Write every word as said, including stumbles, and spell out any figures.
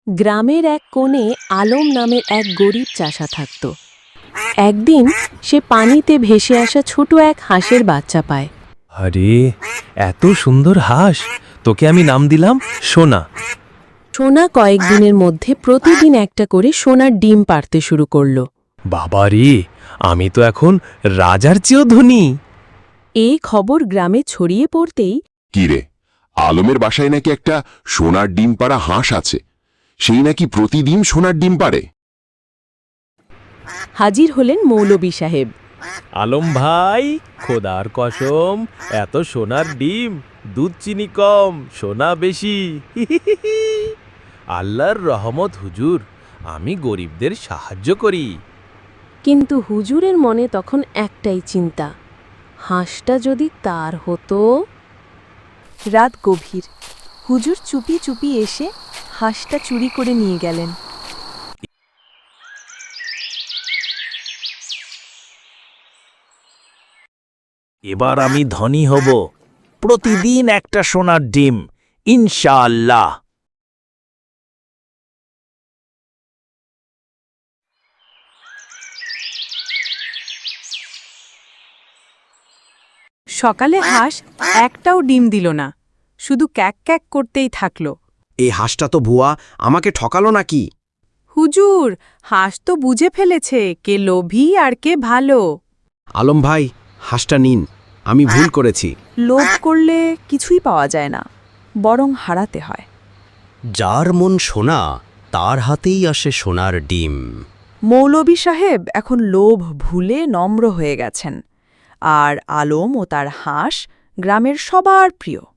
গ্রামের এক কোণে আলম নামের এক গরিব চাষা থাকত। একদিন সে পানিতে ভেসে আসা ছোট এক হাঁসের বাচ্চা পায়। আরে এত সুন্দর হাঁস, তোকে আমি নাম দিলাম সোনা। সোনা কয়েকদিনের মধ্যে প্রতিদিন একটা করে সোনার ডিম পাড়তে শুরু করল। বাবারে, আমি তো এখন রাজার চেয়েও ধনী। এই খবর গ্রামে ছড়িয়ে পড়তেই কিরে, আলমের বাসায় নাকি একটা সোনার ডিম পাড়া হাঁস আছে, সেই নাকি প্রতিদিন সোনার ডিম পাড়ে। হাজির হলেন মৌলবী সাহেব। আলম ভাই, খোদার কসম, এত সোনার ডিম, দুধ চিনি কম, সোনা বেশি। আল্লাহর রহমত হুজুর, আমি গরিবদের সাহায্য করি। কিন্তু হুজুরের মনে তখন একটাই চিন্তা, হাঁসটা যদি তার হতো। রাত গভীর, হুজুর চুপি চুপি এসে হাঁসটা চুরি করে নিয়ে গেলেন। এবার আমি ধনী হব, প্রতিদিন একটা সোনার ডিম, ইনশাআল্লাহ। সকালে হাঁস একটাও ডিম দিল না, শুধু ক্যাক ক্যাক করতেই থাকল। এই হাঁসটা তো ভুয়া, আমাকে ঠকালো নাকি? হুজুর, হাঁস তো বুঝে ফেলেছে কে লোভী আর কে ভালো। আলম ভাই, হাঁসটা নিন, আমি ভুল করেছি। লোভ করলে কিছুই পাওয়া যায় না, বরং হারাতে হয়। যার মন সোনা, তার হাতেই আসে সোনার ডিম। মৌলবী সাহেব এখন লোভ ভুলে নম্র হয়ে গেছেন, আর আলম ও তার হাঁস গ্রামের সবার প্রিয়।